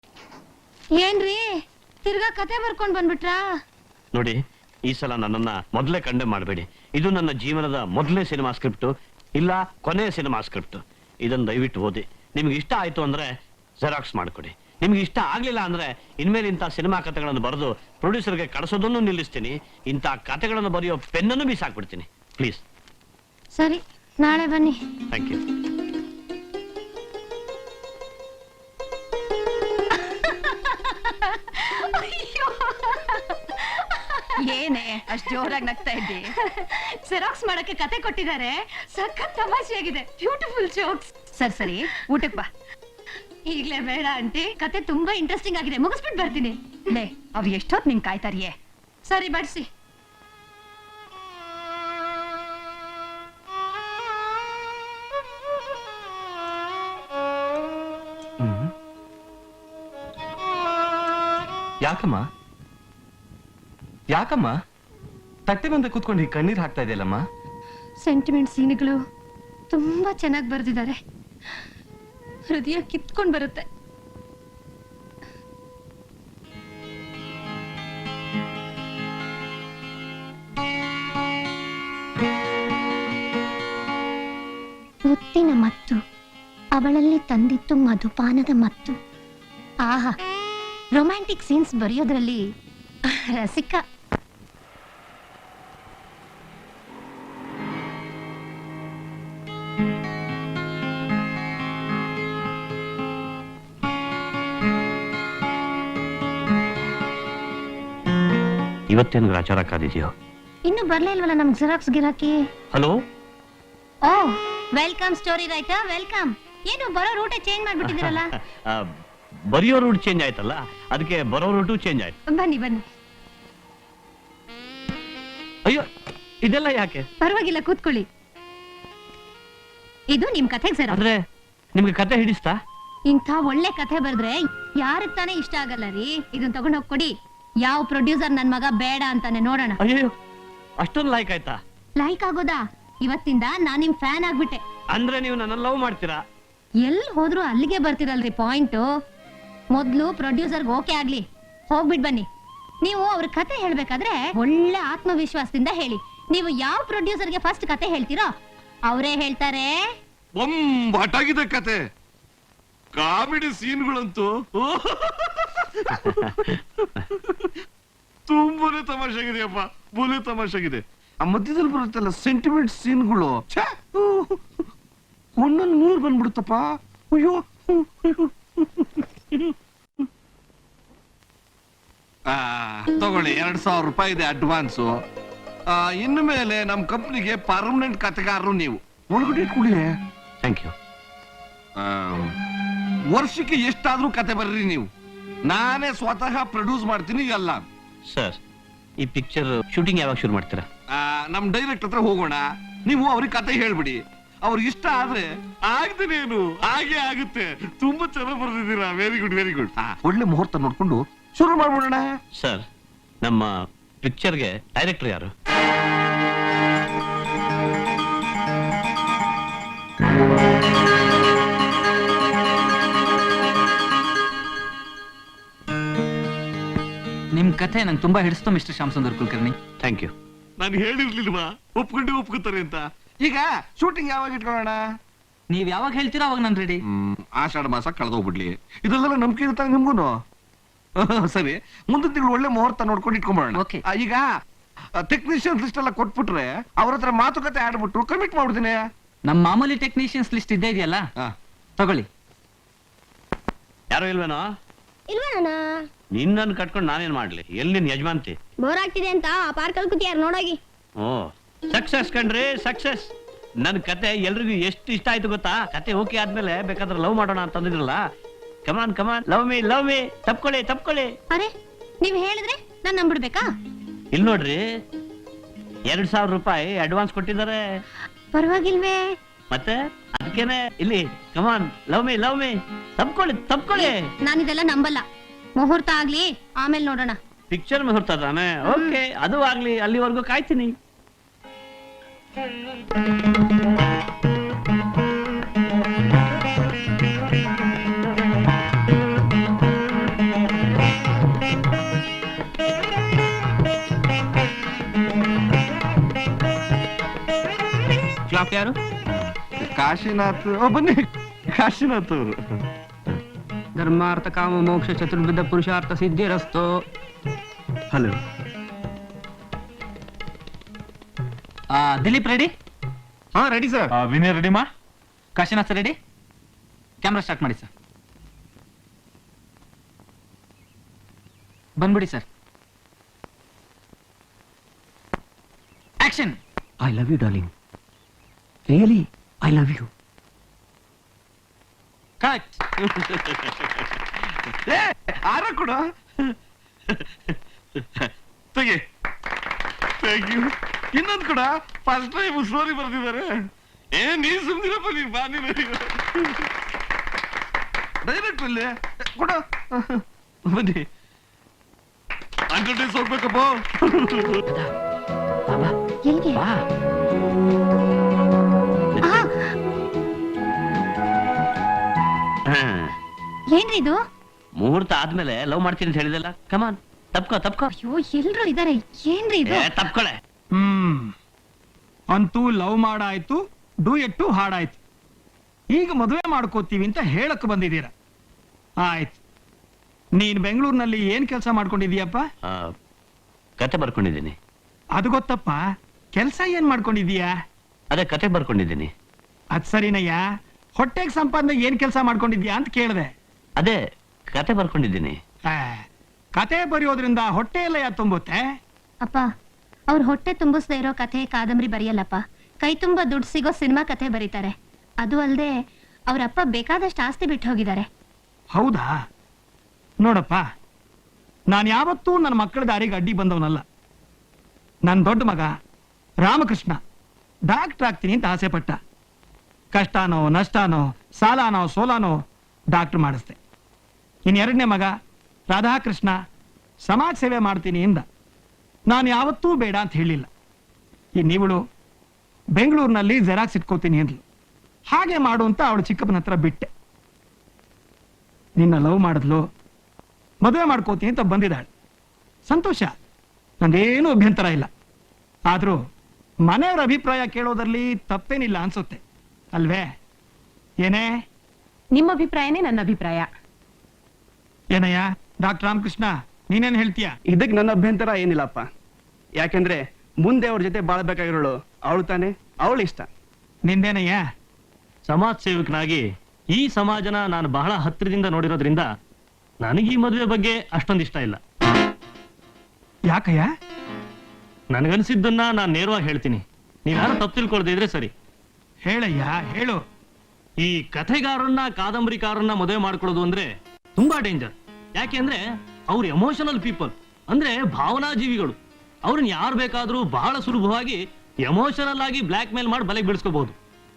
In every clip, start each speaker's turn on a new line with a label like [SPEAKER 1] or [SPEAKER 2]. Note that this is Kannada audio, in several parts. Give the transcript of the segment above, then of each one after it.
[SPEAKER 1] ಏನ್ರಿ ತಿರ್ಗಾ ಕತೆ ಬರ್ಕೊಂಡ್ ಬಂದ್ಬಿಟ್ರಾ?
[SPEAKER 2] ನೋಡಿ, ಈ ಸಲ ನನ್ನನ್ನ ಮೊದಲೇ ಕಂಡೆ ಮಾಡಬೇಡಿ. ಇದು ನನ್ನ ಜೀವನದ ಮೊದಲನೇ ಸಿನಿಮಾ ಸ್ಕ್ರಿಪ್ಟ್, ಇಲ್ಲ ಕೊನೆಯ ಸಿನಿಮಾ ಸ್ಕ್ರಿಪ್ಟ್. ಇದನ್ನ ದಯವಿಟ್ಟು ಓದಿ. ನಿಮ್ಗೆ ಇಷ್ಟ ಆಯ್ತು ಅಂದ್ರೆ ಜೆರಾಕ್ಸ್ ಮಾಡ್ಕೊಡಿ. ನಿಮ್ಗೆ ಇಷ್ಟ ಆಗ್ಲಿಲ್ಲ ಅಂದ್ರೆ ಇನ್ಮೇಲೆ ಇಂಥ ಸಿನಿಮಾ ಕಥೆಗಳನ್ನು ಬರೆದು ಪ್ರೊಡ್ಯೂಸರ್ಗೆ ಕಳಿಸೋದನ್ನು ನಿಲ್ಲಿಸ್ತೀನಿ. ಇಂಥ ಕಥೆಗಳನ್ನು ಬರೆಯೋ ಪೆನ್ನನ್ನು ಬೀಸಾಕ್ಬಿಡ್ತೀನಿ. ಪ್ಲೀಸ್.
[SPEAKER 1] ಸರಿ, ನಾಳೆ ಬನ್ನಿ.
[SPEAKER 2] Thank you.
[SPEAKER 3] ಏನೇ ಅಷ್ಟು ಜೋರಾಗಿ ನಗ್ತಾ ಇದ್ದಿ?
[SPEAKER 1] ಜೆರಾಕ್ಸ್ ಮಾಡಕ್ಕೆ ಕತೆ ಕೊಟ್ಟಿದ್ದಾರೆ, ಸಖತ್ ತಮಾಷೆಯಾಗಿದೆ. Beautiful jokes.
[SPEAKER 3] ಸರಿ ಸರಿ, ಊಟಕ್ಕೆ ಬಾ.
[SPEAKER 1] ಈಗ್ಲೇ ಬೇಡ ಆಂಟಿ, ಕತೆ ತುಂಬಾ ಇಂಟ್ರೆಸ್ಟಿಂಗ್ ಆಗಿದೆ, ಮುಗಿಸ್ಬಿಟ್ಟು ಬರ್ತೀನಿ.
[SPEAKER 3] ಲೇ, ಅವ್ ಎಷ್ಟೊತ್ ನಿನ್ ಕಾಯ್ತಾರಿಯೇ?
[SPEAKER 1] ಸರಿ, ಬಡ್ಸಿ.
[SPEAKER 4] ಯಾಕಮ್ಮ ಯಾಕಮ್ಮ ತಟ್ಟೆ ಮುಂದೆ ಕೂತ್ಕೊಂಡು ಈಗ ಕಣ್ಣೀರ್ ಹಾಕ್ತಾ ಇದೆಯಲ್ಲಮ್ಮ?
[SPEAKER 1] ಸೆಂಟಿಮೆಂಟ್ ಸೀನ್ಗಳು ತುಂಬಾ ಚೆನ್ನಾಗಿ ಬರೆದಿದ್ದಾರೆ. ಹೃದಯ ಕಿತ್ಕೊಂಡ್ ಬರುತ್ತೆ. ಮುತ್ತಿನ ಮತ್ತು ಅವಳಲ್ಲಿ ತಂದಿತ್ತು ಮಧುಪಾನದ ಮತ್ತು. ಆಹಾ, ರೊಮ್ಯಾಂಟಿಕ್ ಸೀನ್ಸ್ ಬರೆಯೋದ್ರಲ್ಲಿ ರಸಿಕ.
[SPEAKER 2] ಇವತ್ತೇನು ಗ್ರಾಚಾರ ಕಾದಿದೆಯೋ?
[SPEAKER 1] ಇನ್ನು ಬರ್ಲೇ ಇಲ್ವಲ್ಲ ನಮ್ಗೆ ಜೆರಾಕ್ಸ್ ಗಿರಾಕಿ.
[SPEAKER 2] Hello.
[SPEAKER 1] Oh, welcome story writer, welcome. ಏನು ಬರೋ ರೂಟೇ ಚೇಂಜ್ ಮಾಡ್ಬಿಟ್ಟಿದ್ದೀರಲ್ಲ?
[SPEAKER 2] ಬರೆಯೋ ರೂಟ್ ಚೇಂಜ್ ಆಯ್ತಲ್ಲ, ಅದಕ್ಕೆ ಬರೋ ರೂಟು ಚೇಂಜ್ ಆಯ್ತು.
[SPEAKER 1] ಬನ್ನಿ ಬನ್ನಿ.
[SPEAKER 2] ಅಯ್ಯೋ, ಇದೆಲ್ಲ ಯಾಕೆ?
[SPEAKER 1] ಪರವಾಗಿಲ್ಲ, ಕೂತ್ಕೊಳ್ಳಿ. ಇದು ನಿಮ್ ಕಥೆಗೆ ಸರ್.
[SPEAKER 2] ಅಂದ್ರೆ ನಿಮ್ಗೆ ಕತೆ ಹಿಡಿಸ್ತಾ?
[SPEAKER 1] ಇಂಥ ಒಳ್ಳೆ ಕಥೆ ಬರೆದ್ರೆ ಯಾರಿಗ್ ತಾನೇ ಇಷ್ಟ ಆಗಲ್ಲ ರೀ. ಇದನ್ನ ತಗೊಂಡ್ ಹೋಗ್ಕೊಡಿ. ಯಾವ ಪ್ರೊಡ್ಯೂಸರ್ ನನ್ ಮಗ ಬೇಡ ಅಂತಾನೆ ನೋಡೋಣ.
[SPEAKER 2] ಅಯ್ಯೋ, ಅಷ್ಟೊಂದು ಲೈಕ್ ಆಯ್ತಾ?
[SPEAKER 1] ಲೈಕ್ ಆಗೋದಾ? ಇವತ್ತಿಂದ ನಾನ್ ನಿಮ್ ಫ್ಯಾನ್ ಆಗ್ಬಿಟ್ಟೆ.
[SPEAKER 2] ಅಂದ್ರೆ ನೀವು ನನ್ನ ಲವ್ ಮಾಡ್ತೀರಾ?
[SPEAKER 1] ಎಲ್ ಹೋದ್ರು ಅಲ್ಲಿಗೆ ಬರ್ತಿರಲ್ರಿ ಪಾಯಿಂಟ್. ಮೊದ್ಲು ಪ್ರೊಡ್ಯೂಸರ್ಗೆ ಓಕೆ ಆಗ್ಲಿ, ಹೋಗ್ಬಿಟ್ ಬನ್ನಿ. ನೀವು ಅವ್ರ ಕತೆ ಹೇಳ್ಬೇಕಾದ್ರೆ ಒಳ್ಳೆ ಆತ್ಮವಿಶ್ವಾಸದಿಂದ ಹೇಳಿ. ನೀವು ಯಾವ ಪ್ರೊಡ್ಯೂಸರ್ಗೆ ಫಸ್ಟ್ ಕತೆ ಹೇಳ್ತೀರೋ ಅವರೇ ಹೇಳ್ತಾರೆ.
[SPEAKER 5] ಬೊಂಬಾಟಾಗಿದೆ ಕತೆ. ಕಾಮಿಡಿ ಸೀನ್ಗಳಂತೂ ತುಂಬಾನೇ ತಮಾಷೆಗಿದೆಯಪ್ಪ, ಬೋಲೆ ತಮಾಷೆಗಿದೆ. ಆ ಮಧ್ಯದಲ್ಲಿ ಬರುತ್ತಲ್ಲ ಸೆಂಟಿಮೆಂಟ್ ಸೀನ್ಗಳು, ಒಂದೊಂದು ನೀರು ಬಂದ್ಬಿಡುತ್ತಪ್ಪ. ಅಯ್ಯೋ, ತಗೊಳ್ಳಿ, 2,000 ರೂಪಾಯಿ ಇದೆ ಅಡ್ವಾನ್ಸು. ಇನ್ನು ಮೇಲೆ ನಮ್ ಕಂಪ್ನಿಗೆ ಪರ್ಮನೆಂಟ್ ಕತೆಗಾರರು ನೀವು. ಒಳಗಡೆ ಇಟ್ಕೊಳ್ಳಿ.
[SPEAKER 2] Thank you.
[SPEAKER 5] ವರ್ಷಕ್ಕೆ ಎಷ್ಟಾದ್ರೂ ಕತೆ ಬರ್ರಿ ನೀವು. ನಾನೇ ಸ್ವತಃ ಪ್ರೊಡ್ಯೂಸ್ ಮಾಡ್ತೀನಿ ಎಲ್ಲ.
[SPEAKER 2] ಸರ್, ಈ ಪಿಕ್ಚರ್ ಶೂಟಿಂಗ್ ಯಾವಾಗ ಶುರು ಮಾಡ್ತೀರಾ?
[SPEAKER 5] ನಮ್ ಡೈರೆಕ್ಟ್ ಹತ್ರ ಹೋಗೋಣ. ನೀವು ಅವ್ರಿಗೆ ಕತೆ ಹೇಳ್ಬಿಡಿ. ಅವ್ರಿಗೆ ಇಷ್ಟ ಆದ್ರೆ ಆಗ್ದೇನೇನು ಹಾಗೆ ಆಗುತ್ತೆ. ತುಂಬಾ ಚೆನ್ನಾಗಿ ಬರ್ದಿದ್ದೀರಾ. Very good, very good. ಒಳ್ಳೆ ಮುಹೂರ್ತ ನೋಡ್ಕೊಂಡು ಶುರು ಮಾಡ್ಬಿಡೋಣ.
[SPEAKER 2] ಸರ್, ನಮ್ಮ ಪಿಕ್ಚರ್ಗೆ ಡೈರೆಕ್ಟರ್ ಯಾರು?
[SPEAKER 6] ನಿಮ್ ಕಥೆ ನಂಗೆ ತುಂಬಾ ಹಿಡಿಸ್ತು mister Shyamsundar Kulkarni.
[SPEAKER 2] Thank you.
[SPEAKER 5] ನಾನು ಹೇಳಿರ್ಲಿಲ್ವಾ ಒಪ್ಕೋತಾರೆ ಅಂತ. ಈಗ ಶೂಟಿಂಗ್ ಯಾವಾಗ ಇಟ್ಕೊಳ್ಳೋಣ?
[SPEAKER 6] ನೀವ್ ಯಾವಾಗ ಹೇಳ್ತೀರಾ ಅವಾಗ ನಾನು ರೆಡಿ.
[SPEAKER 5] ಆಷಾಢ ಮಾಸ ಕಳೆದೋಗ್ಬಿಡ್ಲಿ. ಇದೆಲ್ಲ ನಂಬಿಕೆ ಇರ್ತಾರೆ ನಿಮ್ಗೂನು. ಸರಿ, ಮುಂದಿನ ತಿಂಗಳು ಒಳ್ಳೆ ಮುಹೂರ್ತ ನೋಡ್ಕೊಂಡು ಇಟ್ಕೊಂಬೋಣ.
[SPEAKER 6] Okay.
[SPEAKER 5] ಈಗ ಟೆಕ್ನಿಷಿಯನ್ಸ್ ಲಿಸ್ಟ್ ಎಲ್ಲ ಕೊಟ್ಬಿಟ್ರೆ ಅವ್ರ ಹತ್ರ ಮಾತುಕತೆ ಆಡ್ಬಿಟ್ಟು ಕಮಿಟ್ ಮಾಡ್ಬಿಡ್ತೀನಿ.
[SPEAKER 6] ನಮ್ ಮಾಮೂಲಿ ಟೆಕ್ನಿಷಿಯನ್ಸ್ ಲಿಸ್ಟ್ ಇದ್ದೇ ಇದೆಯಲ್ಲ, ತಗೊಳ್ಳಿ.
[SPEAKER 2] ಯಾರು ಇಲ್ವೇನೋ?
[SPEAKER 1] ಇಲ್ವೇನಾ?
[SPEAKER 2] ನಿನ್ನನ್ನು ಕಟ್ಕೊಂಡು ನಾನೇನ್ ಮಾಡ್ಲಿ? ಎಲ್ಲಿ ನಿನ್ ಯಜಮಾನ್ತಿ?
[SPEAKER 1] ಬೋರ್ ಆಗ್ತಿದೆ ಅಂತ ಆ ಪಾರ್ಕಲ್ಲಿ ಕೂತಿಯಾರ ನೋಡೋಗಿ.
[SPEAKER 2] ಓ, ಸಕ್ಸಸ್ ಕಣ್ರಿ, ಸಕ್ಸಸ್. ನನ್ ಕತೆ ಎಲ್ರಿಗೂ ಎಷ್ಟು ಇಷ್ಟ ಆಯ್ತು ಗೊತ್ತಾ? ಕತೆ ಓಕೆ ಆದ್ಮೇಲೆ ಬೇಕಾದ್ರೆ ಲವ್ ಮಾಡೋಣ ಅಂತಂದಿದ್ರಲ್ಲ. Come on come on, love me love me. ತಪ್ಕೊಳ್ಳಿ.
[SPEAKER 1] ಅರೆ, ನೀವ್ ಹೇಳಿದ್ರೆ ನಾನ್ ನಂಬಿಡ್ಬೇಕಾ?
[SPEAKER 2] ಇಲ್ಲಿ ನೋಡ್ರಿ, 2,000 ರೂಪಾಯಿ ಅಡ್ವಾನ್ಸ್ ಕೊಟ್ಟಿದ್ದಾರೆ.
[SPEAKER 1] ಪರವಾಗಿಲ್ವೇ?
[SPEAKER 2] ಮತ್ತೆ ಅದಕ್ಕೇನೆ ಇಲ್ಲಿ ಕಮಾನ್, ಲವ್ ಮೀ. ತಪ್ಕೊಳ್ಳಿ.
[SPEAKER 1] ನಾನಿದೆಲ್ಲ ನಂಬಲ್ಲ. ಮುಹೂರ್ತ ಆಗ್ಲಿ, ಆಮೇಲೆ ನೋಡೋಣ.
[SPEAKER 2] ಪಿಕ್ಚರ್ ಮುಹೂರ್ತ ತಾನೆ? ಓಕೆ, ಅದು ಆಗ್ಲಿ. ಅಲ್ಲಿವರೆಗೂ ಕಾಯ್ತೀನಿ.
[SPEAKER 6] ಯಾರು?
[SPEAKER 5] ಕಾಶಿನಾಥ್ ಬನ್ನಿ, ಕಾಶಿನಾಥ್ ಅವರು.
[SPEAKER 6] ಧರ್ಮಾರ್ಥ ಕಾಮ ಮೋಕ್ಷ ಚತುರ್ವಿಧ ಪುರುಷಾರ್ಥ ಸಿದ್ಧಿರಸ್ತು.
[SPEAKER 5] ಹಲೋ.
[SPEAKER 6] ದಿಲೀಪ್ ರೆಡಿ?
[SPEAKER 5] ಹಾ ರೆಡಿ ಸರ್.
[SPEAKER 4] ವಿನಯ್ ರೆಡಿ ಮಾ?
[SPEAKER 6] ಕಾಶಿನಾಥ್ ರೆಡಿ? ಕ್ಯಾಮ್ರಾ ಸ್ಟಾರ್ಟ್ ಮಾಡಿ ಸರ್. ಬಂದ್ಬಿಡಿ sir. Action.
[SPEAKER 7] I love you, darling. Really, I love you.
[SPEAKER 6] Cut.
[SPEAKER 5] ಆರ ಕೂಡ ತೆಗೆ. Thank you. ಇನ್ನೊಂದು ಕೂಡ ಫಸ್ಟ್ ಟೈಮ್ ಸ್ಟೋರಿ ಬರ್ತಿದ್ದಾರೆ. ನೀ ಸುಮ್ನಿರಪ್ಪ, ನೀ ಬಾ. ಡೈರೆಕ್ಟ್ ಅಲ್ಲಿ ಕೊಡ ಬನ್ನಿ. ಅಡ್ವರ್ಟೈಸ್ ಹೋಗ್ಬೇಕಪ್ಪ.
[SPEAKER 7] ಬಾಬಾ,
[SPEAKER 1] ಎಲ್ಲಿಗೆ?
[SPEAKER 7] ಬಾ.
[SPEAKER 1] ಏನ್ರಿ ಇದು?
[SPEAKER 2] ಮುಹೂರ್ತ ಆದ್ಮೇಲೆ ಲವ್ ಮಾಡ್ತೀನಿ ಅಂತ ಹೇಳಿದಲ್ಲ. ಕಮಾನ್, ತಪ್ಕೋ ತಪ್ಕೋ.
[SPEAKER 1] ಅಯ್ಯೋ, ಎಲ್ರು ಇದಾರೆ. ಏನ್ರಿ ಇದು?
[SPEAKER 2] ತಪ್ಕೊಳೆ.
[SPEAKER 8] ಅಂತೂ ಲವ್ ಮಾಡಾಯ್ತು, ಡೂಯೆಟ್ಟು ಹಾಡಾಯ್ತು. ಈಗ ಮದುವೆ ಮಾಡ್ಕೋತೀವಿ ಅಂತ ಹೇಳಕ್ ಬಂದಿದ್ದೀರ. ಆಯ್ತು. ನೀನ್ ಬೆಂಗಳೂರಿನಲ್ಲಿ ಏನ್ ಕೆಲಸ ಮಾಡ್ಕೊಂಡಿದೀಯಪ್ಪ?
[SPEAKER 2] ಕತೆ ಬರ್ಕೊಂಡಿದ್ದೀನಿ.
[SPEAKER 8] ಅದು ಗೊತ್ತಪ್ಪ. ಕೆಲಸ ಏನ್ ಮಾಡ್ಕೊಂಡಿದೀಯಾ?
[SPEAKER 2] ಅದೇ ಕತೆ ಬರ್ಕೊಂಡಿದ್ದೀನಿ.
[SPEAKER 8] ಅದ್ ಸರಿನಯ್ಯ. ಹೊಟ್ಟೆಗೆ ಸಂಪಾದನೆ ಏನ್ ಕೆಲಸ ಮಾಡ್ಕೊಂಡಿದ್ಯಾ ಅಂತ ಕೇಳಿದೆ.
[SPEAKER 2] ಅದೇ ಕತೆ ಬರ್ಕೊಂಡಿದ್ದೀನಿ.
[SPEAKER 8] ಕತೆ ಬರೆಯೋದ್ರಿಂದ ಹೊಟ್ಟೆ ಎಲ್ಲ ತುಂಬುತ್ತೆ.
[SPEAKER 1] ಅಪ್ಪ, ಅವ್ರ ಹೊಟ್ಟೆ ತುಂಬಿಸ್ದೇ ಇರೋ ಕಥೆ ಕಾದಂಬರಿ ಬರೆಯಲ್ಲಪ್ಪ. ಕೈ ತುಂಬಾ ದುಡ್ಡು ಸಿಗೋ ಸಿನಿಮಾ ಕಥೆ ಬರೀತಾರೆ. ಅದು ಅಲ್ಲದೆ ಅವ್ರಪ್ಪ ಬೇಕಾದಷ್ಟು ಆಸ್ತಿ ಬಿಟ್ಟು ಹೋಗಿದ್ದಾರೆ.
[SPEAKER 8] ಹೌದಾ? ನೋಡಪ್ಪ, ನಾನು ಯಾವತ್ತೂ ನನ್ನ ಮಕ್ಕಳ ದಾರಿಗೆ ಅಡ್ಡಿ ಬಂದವನಲ್ಲ. ನನ್ನ ದೊಡ್ಡ ಮಗ ರಾಮಕೃಷ್ಣ ಡಾಕ್ಟರ್ ಆಗ್ತೀನಿ ಅಂತ ಆಸೆ ಪಟ್ಟ. ಕಷ್ಟನೋ ನಷ್ಟನೋ ಸಾಲನೋ ಸೋಲಾನೋ ಡಾಕ್ಟರ್ ಮಾಡಿಸ್ದೆ. ಎರಡನೇ ಮಗ ರಾಧಾಕೃಷ್ಣ ಸಮಾಜ ಸೇವೆ ಮಾಡ್ತೀನಿ ಎಂದ. ನಾನು ಯಾವತ್ತೂ ಬೇಡ ಅಂತ ಹೇಳಿಲ್ಲ. ಇನ್ನಿವಳು ಬೆಂಗಳೂರಿನಲ್ಲಿ ಜೆರಾಕ್ಸ್ ಇಟ್ಕೋತೀನಿ ಅಂದ್ಲು. ಹಾಗೆ ಮಾಡು ಅಂತ ಅವಳು ಚಿಕ್ಕಪ್ಪನ ಹತ್ರ ಬಿಟ್ಟೆ. ನಿನ್ನ ಲವ್ ಮಾಡಿದ್ಲು, ಮದುವೆ ಮಾಡ್ಕೋತೀನಿ ಅಂತ ಬಂದಿದ್ದಾಳೆ. ಸಂತೋಷ, ನಂದೇನು ಅಭ್ಯಂತರ ಇಲ್ಲ. ಆದ್ರೂ ಮನೆಯವರ ಅಭಿಪ್ರಾಯ ಕೇಳೋದ್ರಲ್ಲಿ ತಪ್ಪೇನಿಲ್ಲ ಅನ್ಸುತ್ತೆ ಅಲ್ವೇ? ಏನೇ?
[SPEAKER 3] ನಿಮ್ಮ ಅಭಿಪ್ರಾಯನೇ ನನ್ನ ಅಭಿಪ್ರಾಯ.
[SPEAKER 8] ಏನಯ್ಯ ಡಾಕ್ಟರ್ ರಾಮಕೃಷ್ಣ, ನೀನೇನ್ ಹೇಳ್ತೀಯ?
[SPEAKER 9] ಇದಕ್ಕೆ ನನ್ನ ಅಭ್ಯಂತರ ಏನಿಲ್ಲಪ್ಪ. ಯಾಕೆಂದ್ರೆ ಮುಂದೆ ಅವ್ರ ಜೊತೆ ಬಾಳ್ಬೇಕಾಗಿರೋಳು ಅವಳು ತಾನೆ, ಅವಳು ಇಷ್ಟ.
[SPEAKER 8] ನಿಂದೇನಯ್ಯ?
[SPEAKER 10] ಸಮಾಜ ಸೇವಕನಾಗಿ ಈ ಸಮಾಜನ ನಾನು ಬಹಳ ಹತ್ತಿರದಿಂದ ನೋಡಿರೋದ್ರಿಂದ ನನಗೆ ಈ ಮದುವೆ ಬಗ್ಗೆ ಅಷ್ಟೊಂದು ಇಷ್ಟ ಇಲ್ಲ.
[SPEAKER 8] ಯಾಕಯ್ಯ?
[SPEAKER 10] ನನಗನ್ಸಿದ್ದನ್ನ ನಾನು ನೇರವಾಗಿ ಹೇಳ್ತೀನಿ. ನೀವ್ಯಾರು ತಪ್ಪು ತಿಳ್ಕೊಳ್ದೇ ಇದ್ರೆ ಸರಿ.
[SPEAKER 8] ಹೇಳಯ್ಯ, ಹೇಳು.
[SPEAKER 10] ಈ ಕಥೆಗಾರನ್ನ ಕಾದಂಬರಿಕಾರನ್ನ ಮದುವೆ ಮಾಡ್ಕೊಳ್ಳೋದು ಅಂದ್ರೆ ತುಂಬಾ ಡೇಂಜರ್. ಯಾಕೆಂದ್ರೆ ಅವ್ರು ಎಮೋಷನಲ್ ಪೀಪಲ್, ಅಂದ್ರೆ ಭಾವನಾ ಜೀವಿಗಳು. ಅವ್ರನ್ನ ಯಾರು ಬೇಕಾದ್ರೂ ಬಹಳ ಸುಲಭವಾಗಿ ಎಮೋಷನಲ್ ಆಗಿ ಬ್ಲಾಕ್ ಮೇಲ್ ಮಾಡಿ ಬಲೆಗೆ ಬೀಳಿಸ್ಕೋಬಹುದು.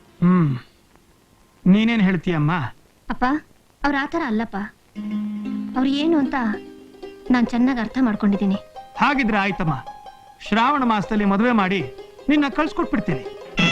[SPEAKER 8] ನೀನೇನ್ ಹೇಳ್ತೀಯಮ್ಮ?
[SPEAKER 1] ಅಪ್ಪ, ಅವ್ರ ಆತರ ಅಲ್ಲಪ್ಪ. ಅವ್ರು ಏನು ಅಂತ ನಾನ್ ಚೆನ್ನಾಗಿ ಅರ್ಥ ಮಾಡ್ಕೊಂಡಿದ್ದೀನಿ.
[SPEAKER 8] ಹಾಗಿದ್ರೆ ಆಯ್ತಮ್ಮ, ಶ್ರಾವಣ ಮಾಸದಲ್ಲಿ ಮದುವೆ ಮಾಡಿ ನಿನ್ನ ಕಳ್ಸ್ಕೊಟ್ಬಿಡ್ತೀನಿ.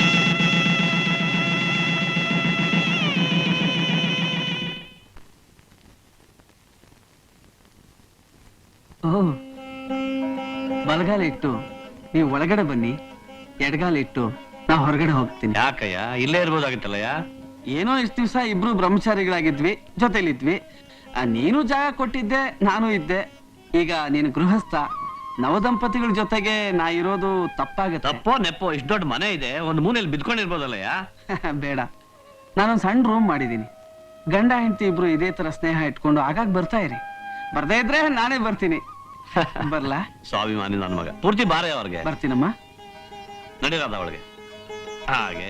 [SPEAKER 6] ಬಲಗಾಲ ಇಟ್ಟು ನೀವು ಒಳಗಡೆ ಬನ್ನಿ, ಎಡಗಾಲ ಇಟ್ಟು ನಾ ಹೊರಗಡೆ ಹೋಗ್ತೀನಿ.
[SPEAKER 2] ಯಾಕಯ್ಯ, ಇಲ್ಲೇ ಇರ್ಬೋದಾಗಿತ್ತಲ್ಲಯ್ಯ.
[SPEAKER 6] ಏನೋ ಇಷ್ಟು ದಿವಸ ಇಬ್ರು ಬ್ರಹ್ಮಚಾರಿಗಳಾಗಿದ್ವಿ, ಜೊತೆಲಿದ್ವಿ. ನೀನು ಜಾಗ ಕೊಟ್ಟಿದ್ದೆ, ನಾನು ಇದ್ದೆ. ಈಗ ನೀನು ಗೃಹಸ್ಥ, ನವದಂಪತಿಗಳ ಜೊತೆಗೆ ನಾ ಇರೋದು ತಪ್ಪಾಗತ್ತೆ.
[SPEAKER 2] ತಪ್ಪೋ ನೆಪ್ಪೋ, ಇಷ್ಟು ದೊಡ್ಡ ಮನೆ ಇದೆ, ಒಂದು ಮೂಲೆಯಲ್ಲಿ ಬಿದ್ಕೊಂಡಿರ್ಬೋದಲ್ಲಯ್ಯ.
[SPEAKER 6] ಬೇಡ, ನಾನೊಂದು ಸಣ್ಣ ರೂಮ್ ಮಾಡಿದ್ದೀನಿ. ಗಂಡ ಹೆಂಡತಿ ಇಬ್ರು ಇದೇ ತರ ಸ್ನೇಹ ಇಟ್ಕೊಂಡು ಆಗಾಗ ಬರ್ತಾ ಇರಿ. ಬರ್ದೇ ಇದ್ರೆ ನಾನೇ ಬರ್ತೀನಿ. ಬರ್ಲಾ?
[SPEAKER 2] ಸ್ವಾಭಿಮಾನಿ ನನ್ನ ಮಗ. ಪೂರ್ತಿ ಬಾರೆ ಅವ್ರಿಗೆ.
[SPEAKER 6] ಬರ್ತೀನಮ್ಮ.
[SPEAKER 2] ನಡೀರಾದ ಅವಳಿಗೆ ಹಾಗೆ.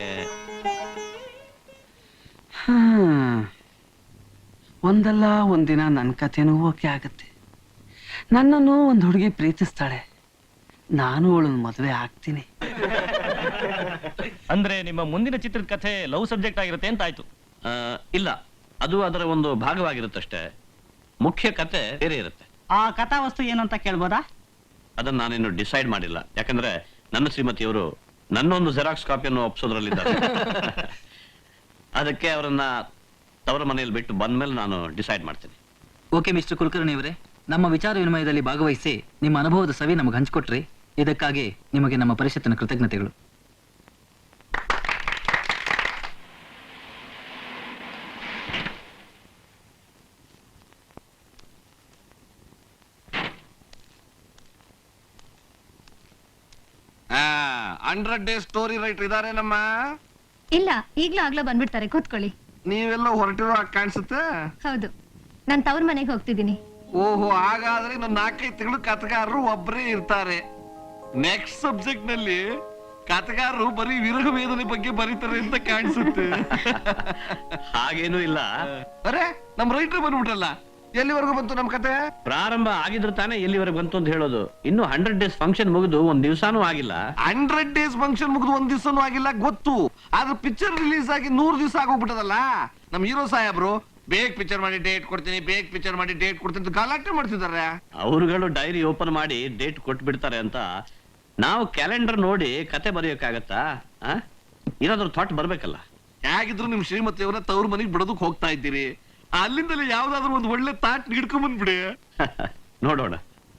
[SPEAKER 6] ಒಂದಲ್ಲ ಒಂದಿನ ನನ್ನ ಕಥೆನೂ ಓಕೆ ಆಗತ್ತೆ. ನನ್ನನ್ನು ಒಂದು ಹುಡುಗಿ ಪ್ರೀತಿಸ್ತಾಳೆ, ನಾನು ಅವಳನ್ನ ಮದುವೆ ಆಗ್ತೀನಿ.
[SPEAKER 10] ಅಂದ್ರೆ ನಿಮ್ಮ ಮುಂದಿನ ಚಿತ್ರದ ಕಥೆ ಲವ್ ಸಬ್ಜೆಕ್ಟ್ ಆಗಿರುತ್ತೆ ಅಂತ ಆಯ್ತು?
[SPEAKER 2] ಇಲ್ಲ, ಅದು ಅದರ ಒಂದು ಭಾಗವಾಗಿರುತ್ತಷ್ಟೇ. ಮುಖ್ಯ ಕತೆ ಬೇರೆ ಇರುತ್ತೆ.
[SPEAKER 6] ಆ ಕಥಾವಸ್ತು ಏನು ಅಂತ ಕೇಳ್ಬೋದಾ?
[SPEAKER 2] ಅದನ್ನ ನಾನಿನ್ನು ಡಿಸೈಡ್ ಮಾಡಿಲ್ಲ. ಯಾಕಂದ್ರೆ ನನ್ನ ಶ್ರೀಮತಿಯವರು ನನ್ನೊಂದು ಜೆರಾಕ್ಸ್ ಕಾಪಿಯನ್ನು ಒಪ್ಸೋದ್ರಲ್ಲಿದ್ದಾರೆ. ಅದಕ್ಕೆ ಅವರನ್ನ ತವರ ಮನೆಯಲ್ಲಿ ಬಿಟ್ಟು ಬಂದ್ಮೇಲೆ ನಾನು ಡಿಸೈಡ್ ಮಾಡ್ತೀನಿ.
[SPEAKER 6] ಓಕೆ ಮಿಸ್ಟರ್ ಕುಲಕರ್ಣಿ ಅವರೇ, ನಮ್ಮ ವಿಚಾರ ವಿನಿಮಯದಲ್ಲಿ ಭಾಗವಹಿಸಿ ನಿಮ್ಮ ಅನುಭವದ ಸವಿ ನಮಗೆ ಹಂಚಿಕೊಟ್ರಿ. ಇದಕ್ಕಾಗಿ ನಿಮಗೆ ನಮ್ಮ ಪರಿಷತ್ತಿನ ಕೃತಜ್ಞತೆಗಳು.
[SPEAKER 5] 100 ಡೇಸ್ ಸ್ಟೋರಿ ರೈಟರ್ ಇದಾರೆ ನಮ್ಮ.
[SPEAKER 1] ಇಲ್ಲ ಈಗ್ಲೂ ಆಗ್ಲೋ ಬಂದ್ಬಿಡ್ತಾರೆ, ಕೂತ್ಕೊಳ್ಳಿ.
[SPEAKER 5] ನೀವೆಲ್ಲ ಹೊರಟಿರೋ ಕಾಣಿಸುತ್ತೆ.
[SPEAKER 1] ಹೌದು, ನಾನ್ ತವ್ರ ಮನೆಗೆ ಹೋಗ್ತಿದ್ದೀನಿ.
[SPEAKER 5] ಓಹೋ, ಹಾಗಾದ್ರೆ ಇನ್ನು 4-5 ತಿಂಗಳು ಕಥೆಗಾರರು ಒಬ್ಬರೇ ಇರ್ತಾರೆ. ನೆಕ್ಸ್ಟ್ ಸಬ್ಜೆಕ್ಟ್ ನಲ್ಲಿ ಕಥೆಗಾರರು ಬರೀ ವಿರಹ ವೇದನೆ ಬಗ್ಗೆ ಬರೀತಾರೆ ಅಂತ ಕಾಣಿಸುತ್ತೆ.
[SPEAKER 2] ಹಾಗೇನೂ ಇಲ್ಲ.
[SPEAKER 5] ಅರೆ, ನಮ್ ರೈಟರ್ ಬಂದ್ಬಿಟ್ರಲ್ಲ. ಎಲ್ಲಿವರೆಗೂ ಬಂತು ನಮ್ ಕತೆ?
[SPEAKER 2] ಪ್ರಾರಂಭ ಆಗಿದ್ರೆ ತಾನೇ ಎಲ್ಲಿವರೆಗೆ ಬಂತು ಅಂತ ಹೇಳೋದು. ಇನ್ನು 100 ಡೇಸ್ ಫಂಕ್ಷನ್ ಮುಗಿದು ಒಂದ್ ದಿವಸಾನೂ ಆಗಿಲ್ಲ.
[SPEAKER 5] 100 ಡೇಸ್ ಫಂಕ್ಷನ್ ಮುಗಿದು 1 ದಿವಸನೂ ಆಗಿಲ್ಲ ಗೊತ್ತು. ಆದ್ರೆ ಪಿಕ್ಚರ್ ರಿಲೀಸ್ ಆಗಿ 100 ದಿವಸ ಆಗೋಗ್ಬಿಟ್ಟದಲ್ಲ. ನಮ್ ಹೀರೋ ಸಾಹೇಬ್ರು ಬೇಗ ಪಿಕ್ಚರ್ ಮಾಡಿ ಡೇಟ್ ಕೊಡ್ತೀನಿ, ಬೇಗ ಪಿಕ್ಚರ್ ಮಾಡಿ ಡೇಟ್ ಕೊಡ್ತೀನಿ ಅಂತ ಗಲಾಟೆ ಮಾಡ್ತಿದ್ದಾರೆ.
[SPEAKER 2] ಅವರುಗಳು ಡೈರಿ ಓಪನ್ ಮಾಡಿ ಡೇಟ್ ಕೊಟ್ಬಿಡ್ತಾರೆ ಅಂತ ನಾವು ಕ್ಯಾಲೆಂಡರ್ ನೋಡಿ ಕತೆ ಬರೆಯೋಕ್ಕಾಗತ್ತಾ? ಏನಾದ್ರೂ ಥಾಟ್ ಬರ್ಬೇಕಲ್ಲ.
[SPEAKER 5] ಹೇಗಿದ್ರು ನಿಮ್ ಶ್ರೀಮತಿಯವರ ತವ್ರ ಮನೆಗೆ ಬಿಡೋದಕ್ ಹೋಗ್ತಾ ಇದ್ದೀರಿ. ಅಲ್ಲಿಂದಲೇ ಯಾವ್ದಾದ್ರು ಒಂದು ಒಳ್ಳೆ ತಾಟ್ ಹಿಡ್ಕೊಂಡ್ ಬಂದ್ಬಿಡಿ.
[SPEAKER 2] ನೋಡೋಣ.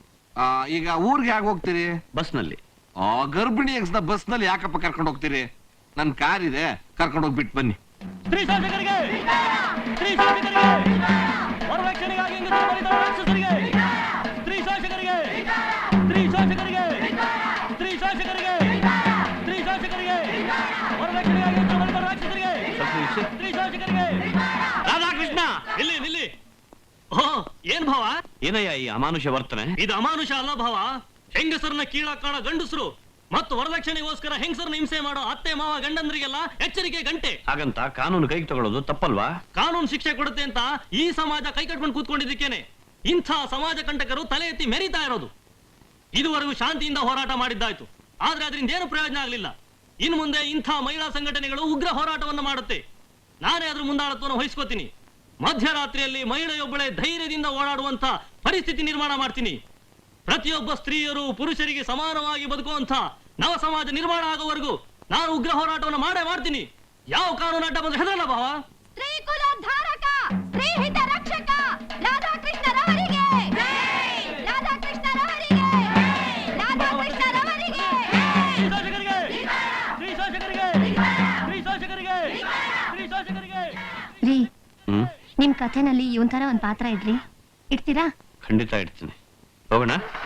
[SPEAKER 5] ಈಗ ಊರ್ಗೆ ಹೇಗೆ ಹೋಗ್ತೀರಿ?
[SPEAKER 2] ಬಸ್ನಲ್ಲಿ.
[SPEAKER 5] ಗರ್ಭಿಣಿ ಎಕ್ಸ್ ನ ಬಸ್ ನಲ್ಲಿ ಯಾಕಪ್ಪ ಕರ್ಕೊಂಡು ಹೋಗ್ತೀರಿ? ನನ್ ಕಾರ್ ಇದೆ, ಕರ್ಕೊಂಡು ಹೋಗ್ಬಿಟ್ಟು ಬನ್ನಿ.
[SPEAKER 10] ಸ್ತ್ರೀ ಶಾಸಕರಿಗೆ, ಸ್ತ್ರೀ ಶಾಸಕರಿಗೆ, ವರದಕ್ಷಿಣೆಗಾಗಿ ಹೆಂಗಸರು ಬಲಿತ ರಾಕ್ಷಸರಿಗೆ, ಸ್ತ್ರೀ ಶಾಸಕರಿಗೆ, ಸ್ತ್ರೀ ಶಾಸಕರಿಗೆ, ಸ್ತ್ರೀ ಶಾಸಕರಿಗೆ, ಸ್ತ್ರೀ ಶಾಸಕರಿಗೆ, ವರದಕ್ಷಿಣೆಗಾಗಿ ಹೆಂಗಸರು ಬಲಿತ ರಾಕ್ಷಸರಿಗೆ, ಸ್ತ್ರೀ ಶಾಸಕರಿಗೆ. ರಾಧಾಕೃಷ್ಣ, ನಿಲ್ಲಿ ನಿಲ್ಲಿ. ಓ, ಏನ್ ಭಾವ?
[SPEAKER 2] ಏನಯ್ಯ ಈ ಅಮಾನುಷ ವರ್ತನೆ?
[SPEAKER 10] ಇದು ಅಮಾನುಷ ಅಲ್ಲ ಭಾವ. ಹೆಂಗಸರನ್ನ ಕೀಳಾಗ್ ಕಾಣೋ ಗಂಡಸರು ಮತ್ತು ವರದಕ್ಷಿಣೆಗೋಸ್ಕರ ಹೆಂಗಸರನ್ನ ಹಿಂಸೆ ಮಾಡೋ ಅತ್ತೆ ಮಾವ ಗಂಡಂದ್ರಿಗೆಲ್ಲ ಎಚ್ಚರಿಕೆ ಗಂಟೆ.
[SPEAKER 2] ಹಾಗಂತ ಕಾನೂನು ಕೈಗೆ ತಗೊಳ್ಳೋದು ತಪ್ಪಲ್ವಾ?
[SPEAKER 10] ಕಾನೂನು ಶಿಕ್ಷೆ ಕೊಡುತ್ತೆ ಅಂತ ಈ ಸಮಾಜ ಕೈ ಕಟ್ಕೊಂಡು ಕೂತ್ಕೊಂಡಿದ್ದಕ್ಕೇನೆ ಇಂಥ ಸಮಾಜ ಕಂಟಕರು ತಲೆ ಎತ್ತಿ ಮೆರೀತಾ ಇರೋದು. ಇದುವರೆಗೂ ಶಾಂತಿಯಿಂದ ಹೋರಾಟ ಮಾಡಿದ್ದಾಯ್ತು, ಆದ್ರೆ ಅದರಿಂದ ಏನು ಪ್ರಯೋಜನ ಆಗಲಿಲ್ಲ. ಇನ್ನು ಮುಂದೆ ಇಂಥ ಮಹಿಳಾ ಸಂಘಟನೆಗಳು ಉಗ್ರ ಹೋರಾಟವನ್ನು ಮಾಡುತ್ತೆ. ನಾನೇ ಅದ್ರ ಮುಂದಾಳತ್ವವನ್ನು ವಹಿಸ್ಕೋತೀನಿ. ಮಧ್ಯರಾತ್ರಿಯಲ್ಲಿ ಮಹಿಳೆಯೊಬ್ಬಳೆ ಧೈರ್ಯದಿಂದ ಓಡಾಡುವಂತ ಪರಿಸ್ಥಿತಿ ನಿರ್ಮಾಣ ಮಾಡ್ತೀನಿ. ಪ್ರತಿಯೊಬ್ಬ ಸ್ತ್ರೀಯರು ಪುರುಷರಿಗೆ ಸಮಾನವಾಗಿ ಬದುಕುವಂತ ನವ ಸಮಾಜ ನಿರ್ಮಾಣ ಆಗೋವರೆಗೂ ನಾನು ಉಗ್ರ ಹೋರಾಟವನ್ನು ಮಾಡೇ ಮಾಡ್ತೀನಿ. ಯಾವ ಕಾನೂನು ಅಡ್ಡ ಬಂದ್ರೆ ಹೆದರಲ್ಲ ಭಾವ.
[SPEAKER 1] ಸ್ತ್ರೀ ಕುಲ ಧಾರಕ, ಸ್ತ್ರೀ ಹಿತ ರಕ್ಷಕ ರಾಧಾಕೃಷ್ಣರವರಿಗೆ, ರಾಧಾಕೃಷ್ಣರವರಿಗೆ, ರಾಧಾಕೃಷ್ಣರವರಿಗೆ.
[SPEAKER 10] ಸ್ತ್ರೀ ಶಾಸಕರಿಗೆ, ಸ್ತ್ರೀ ಶಾಸಕರಿಗೆ, ಸ್ತ್ರೀ ಶಾಸಕರಿಗೆ, ಸ್ತ್ರೀ ಶಾಸಕರಿಗೆ.
[SPEAKER 1] ರೀ, ನಿಮ್ ಕಥೆನಲ್ಲಿ ಇವನ್ ತರ ಒಂದ್ ಪಾತ್ರ ಇಡ್ರಿ, ಇಡ್ತೀರಾ?
[SPEAKER 2] ಖಂಡಿತ ಇಡ್ತೀನಿ. ಹೋಗೋಣ.